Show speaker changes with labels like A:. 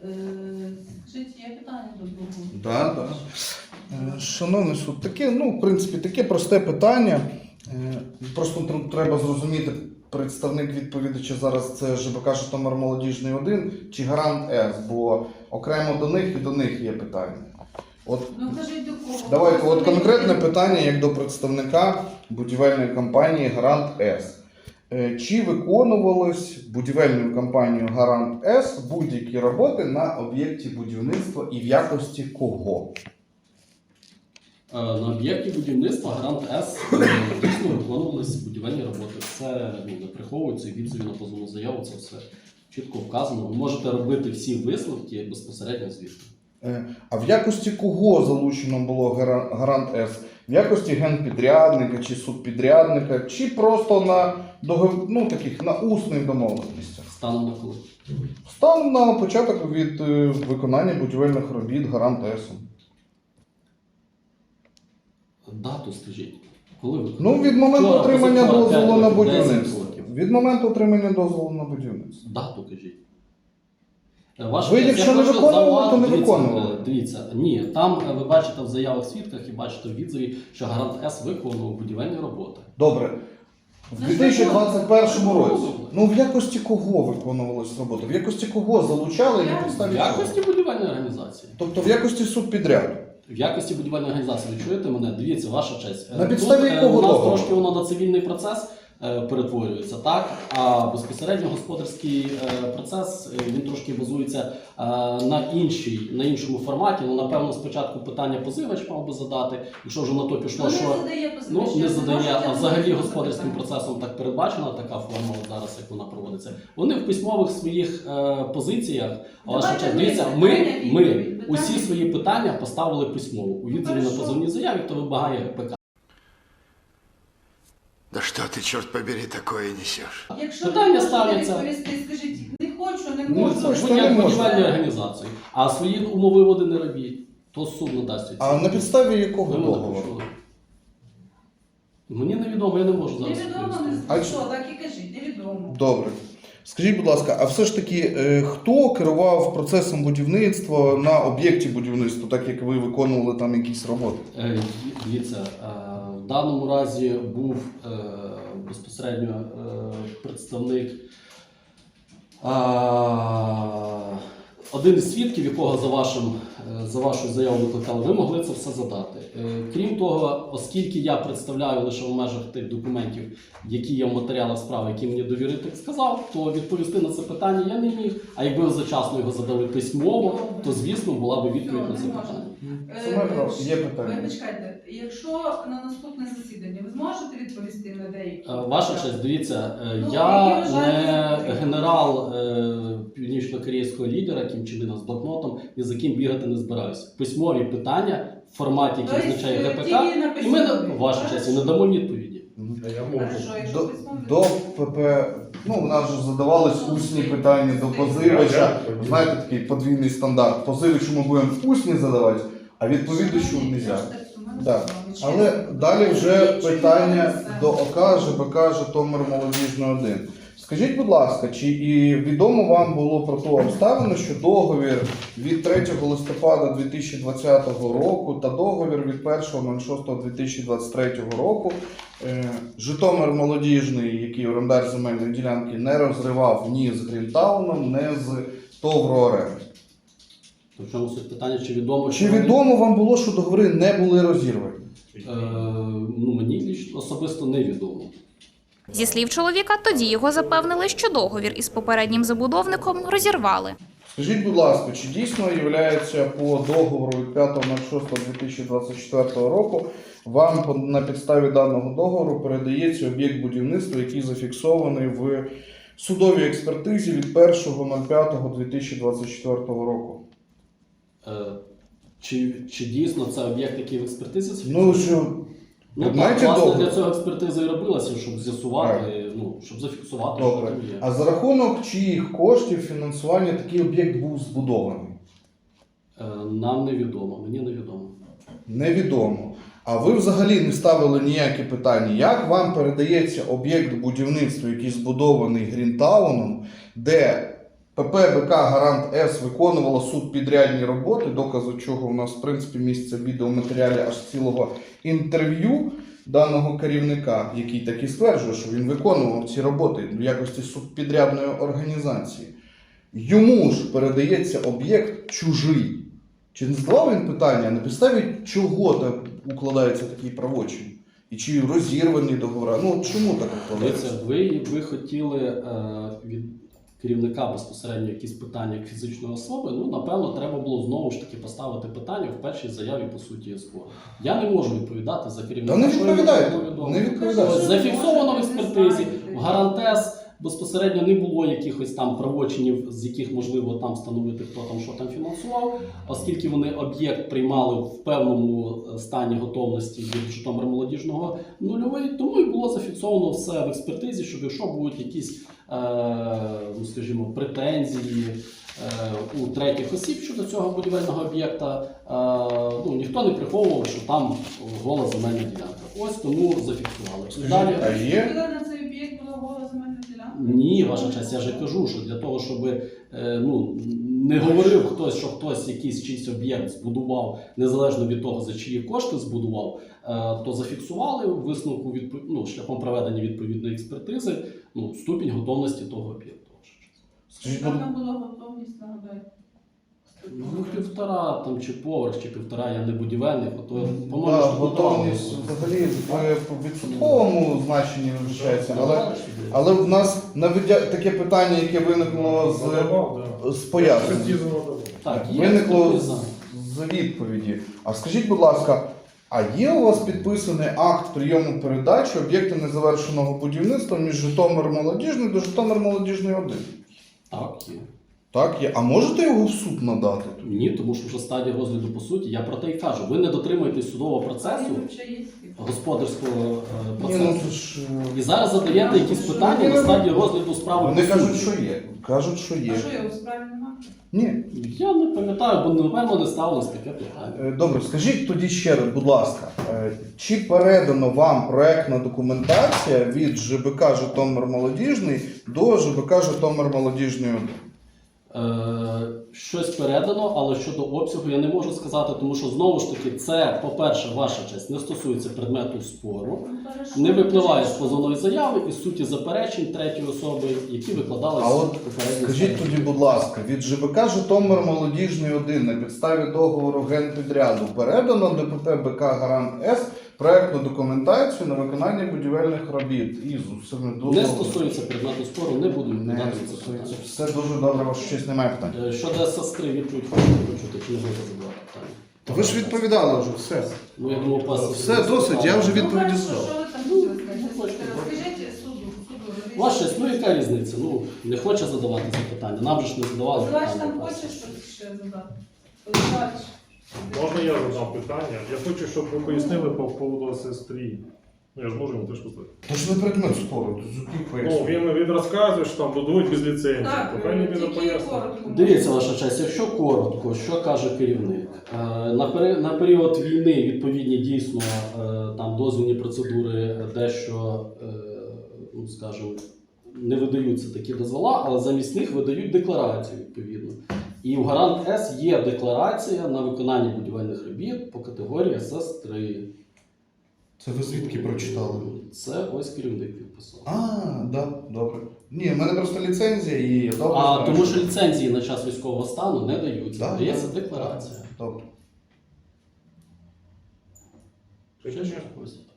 A: Скажіть, є питання до другого?
B: Да, да. Шановний суд, таке, в принципі, таке просте питання. Просто треба зрозуміти, представник відповідача зараз це ЖБК Житомир Молодіжний 1 чи Гарант С, бо окремо до них і до них є питання.
A: Кажіть до кого?
B: Давайте, конкретне питання як до представника будівельної компанії Гарант С. Чи виконувались будівельною компанією Гарант С будь-які роботи на об'єкті будівництва і в якості кого?
C: На об'єкті будівництва Гарант С дійсно виконувалися будівельні роботи. Це не приховується, відзові на позовну заяву, це все чітко вказано. Ви можете робити всі висновки безпосередньо звідти.
B: А в якості кого залучено було Гарант С? В якості генпідрядника чи субпідрядника, чи просто на, на усних домовленостях?
C: Станом на коли?
B: Станом на початок від виконання будівельних робіт Гарант С.
C: Дату скажіть. Коли ви?
B: Від моменту отримання дозволу на
C: 10
B: будівництво.
C: років.
B: Від моменту отримання дозволу на будівництво.
C: Дату кажіть.
B: Ви, якщо не виконували, то не виконували.
C: Дивіться, ні, там ви бачите в заявах свідках і бачите в відзові, що Гарант С виконував будівельні роботи.
B: Добре. В 2021 році. В якості кого виконувалась робота? В якості кого залучали і на підставі
C: В якості будівельної організації.
B: Тобто в якості субпідряду?
C: В якості будівельної організації. Ви чуєте мене? Дивіться, ваша честь.
B: На підставі якого
C: у нас
B: договору?
C: трошки воно на цивільний процес перетворюється, так? А безпосередньо господарський процес, він трошки базується на іншому форматі. Напевно, спочатку питання позивач мав би задати, якщо вже на то пішло, що не задає, а взагалі господарським процесом так передбачена така форма зараз, як вона проводиться. Вони в письмових своїх позиціях, ваша честь, дивіться, ми усі свої питання поставили письмово. У відзові на позовній заяві, хто вимагає ГПК.
D: Да что ты, черт побери, такое несешь?
A: Якщо
C: Питання
A: не можете
C: ставляться.
A: відповісти, скажіть, не хочу, не
C: Ну,
A: можу.
C: це як будівельні організації. А свої умови води не робіть, то суд надасть відповідь.
B: А на підставі якого
C: Ви мене
B: договору?
C: почули? Мені невідомо, я не можу зараз
A: Невідомо,
C: відповісти.
A: що, так і кажіть, невідомо.
B: Добре. Скажіть, будь ласка, а все ж таки, хто керував процесом будівництва на об'єкті будівництва, так як ви виконували там якісь роботи?
C: Дивіться, в даному разі був безпосередньо представник, один із свідків, якого за вашою заявою викликали, ви могли це все задати. Крім того, оскільки я представляю лише в межах тих документів, які є в матеріалах справи, які мені довіритель сказав, то відповісти на це питання я не міг. А якби ви завчасно його задали письмово, то, звісно, була б відповідь на це питання.
B: Є питання.
A: Ви почекайте, якщо на наступне засідання ви зможете відповісти на деякі?
C: Ваша честь, дивіться, я не генерал північно-корейського лідера Кім Чен Ына з блокнотом, ні за ким бігати не збираюся. Письмові питання в форматі, який означає ГПК, і ми, ваша честь, і надамо відповіді.
B: До ПП, у нас же задавались усні питання до позивача. Знаєте, такий подвійний стандарт. Позивачу ми будемо усні задавати, а відповідачу не можна. Да. Але далі вже питання до ОК ЖБК Житомир Молодіжний 1. Скажіть, будь ласка, чи і відомо вам було про ту обставину, що договір від 3 листопада 2020 року та договір від 1.06.2023 року Житомир Молодіжний, який орендар земельної ділянки, не розривав ні з Грінтауном, ні з Товрооренди?
C: В чому суть питання, чи відомо?
B: Чи відомо вам було, що договори не були розірвані?
C: Мені особисто невідомо.
E: Зі слів чоловіка, тоді його запевнили, що договір із попереднім забудовником розірвали.
B: Скажіть, будь ласка, чи дійсно є по договору від 5.06.2024 року вам на підставі даного договору передається об'єкт будівництва, який зафіксований в судовій експертизі від 1.05.2024 року?
C: Чи дійсно це об'єкт, який в експертизі зафіксований? Власне, для цього експертиза і робилася, щоб з'ясувати, щоб зафіксувати, що там є.
B: А за рахунок чиїх коштів фінансування такий об'єкт був збудований?
C: Нам невідомо, мені невідомо.
B: Невідомо. А ви взагалі не ставили ніякі питання, як вам передається об'єкт будівництва, який збудований Грінтауном, де ПП БК Гарант С виконувала субпідрядні роботи, доказу чого у нас, в принципі, місце в відеоматеріалі аж цілого інтерв'ю даного керівника, який так і стверджує, що він виконував ці роботи в якості субпідрядної організації. Йому ж передається об'єкт чужий. Чи не задавав він питання, на підставі чого так укладається такий правочин? І чи розірвані договори? Ну, чому так укладається?
C: Ви хотіли від керівника безпосередньо якісь питання як фізичної особи, ну, напевно, треба було знову ж таки поставити питання в першій заяві по суті СПО. Я не можу відповідати за керівника.
B: Та не
C: що йому
B: відповідайте,
C: було відомо.
B: не відповідайте.
C: Зафіксовано в експертизі, в Гарантес безпосередньо не було якихось там правочинів, з яких можливо там встановити, хто там що там фінансував, оскільки вони об'єкт приймали в певному стані готовності від Житомир-Молодіжного нульовий, тому і було зафіксовано все в експертизі, щоб якщо будуть якісь, ну, скажімо, претензії у третіх осіб щодо цього будівельного об'єкта, ну, ніхто не приховував, що там гола земельна ділянка. Ось тому зафіксували. Далі,
B: А є?
A: Коли на цей об'єкт була гола земельна ділянка?
C: ні, ваша честь, я же кажу, що для того, щоб ну, не говорив хтось, що хтось якийсь чийсь об'єкт збудував, незалежно від того, за чиї кошти збудував, то зафіксували в висновку ну, шляхом проведення відповідної експертизи, ну, ступінь готовності того об'єкту.
B: Скажіть,
A: Яка там була готовність, нагадайте?
C: Ну, 1,5 там, чи поверх, чи 1,5, я не будівельник, то, по-моєму,
B: Да,
C: що
B: готовність взагалі в відсотковому значенні визначається, але в нас таке питання, яке виникло з пояснень.
C: Так, є
B: Виникло
C: експертиза.
B: з відповіді. А скажіть, будь ласка, а є у вас підписаний акт прийому передачі об'єкта незавершеного будівництва між Житомир-Молодіжний до Житомир-Молодіжний 1?
C: Так, є.
B: Так, є. А можете його в суд надати?
C: Ні, тому що вже стадія розгляду по суті, я про те й кажу. Ви не дотримуєтесь судового процесу,
A: Він вже є.
C: господарського
B: Ні,
C: процесу.
B: ну це ж...
C: І зараз задаєте якісь питання на стадії розгляду справи.
B: Вони
C: по
B: кажуть,
C: суті.
B: що є. Кажуть, що є.
A: А що його в справі немає?
B: Ні.
C: Я не пам'ятаю, бо напевно не ставилось таке питання.
B: Добре, скажіть тоді ще раз, будь ласка, чи передано вам проектна документація від ЖБК Житомир-Молодіжний до ЖБК Житомир-Молодіжний 1?
C: Щось передано, але щодо обсягу я не можу сказати, тому що знову ж таки це, по-перше, ваша честь, не стосується предмету спору, не випливає з позовної заяви і суті заперечень третьої особи, які викладалися
B: А от
C: попередньо.
B: скажіть тоді, будь ласка, від ЖБК Житомир-Молодіжний 1 на підставі договору генпідряду передано до ПП БК Гарант С проектну документацію на виконання будівельних робіт із усіми
C: Не
B: договорами?
C: стосується предмету спору, не буду
B: Не
C: відповідати на це
B: стосується.
C: питання.
B: Все дуже добре, ваша честь, немає питань.
C: Щодо сестри відповідь хочете почути, чи не можете задавати питання?
B: Та ви ж відповідали вже, все.
C: Ну, я думав, вас...
B: Все, досить, я вже
A: Ну,
B: відповіді
A: хорошо,
B: здав.
A: що ви там хотіли сказати? Розкажіть суду.
C: Ваша, ну яка різниця? Ну, не хоче задавати запитання. Нам же ж не задавали
A: Позивач там
C: питання.
A: хоче щось ще задати? Позивач.
F: Можна я задам питання? Я хочу, щоб ви пояснили по поводу сестрі. Ну, я ж можу йому теж поставити.
B: То ж не предмет спору, то який
F: Ну,
B: пояснює.
F: він розказує, що там будують без ліцензії.
A: Так,
F: То хай він
A: тільки
F: пояснить.
A: коротко.
C: Дивіться, ваша честь, якщо коротко, що каже керівник? На період війни відповідні дійсно там дозвільні процедури дещо, ну скажімо, не видаються такі дозвола, але замість них видають декларацію відповідно. І у Гарант С є декларація на виконання будівельних робіт по категорії СС3.
B: Це ви звідки прочитали?
C: Це ось керівник підписав.
B: Да, добре. Ні, в мене просто ліцензія і я добре знаю,
C: Тому що ліцензії на час військового стану не даються,
B: Да,
C: дається
B: да.
C: декларація.
B: Добре.
C: Ще щось?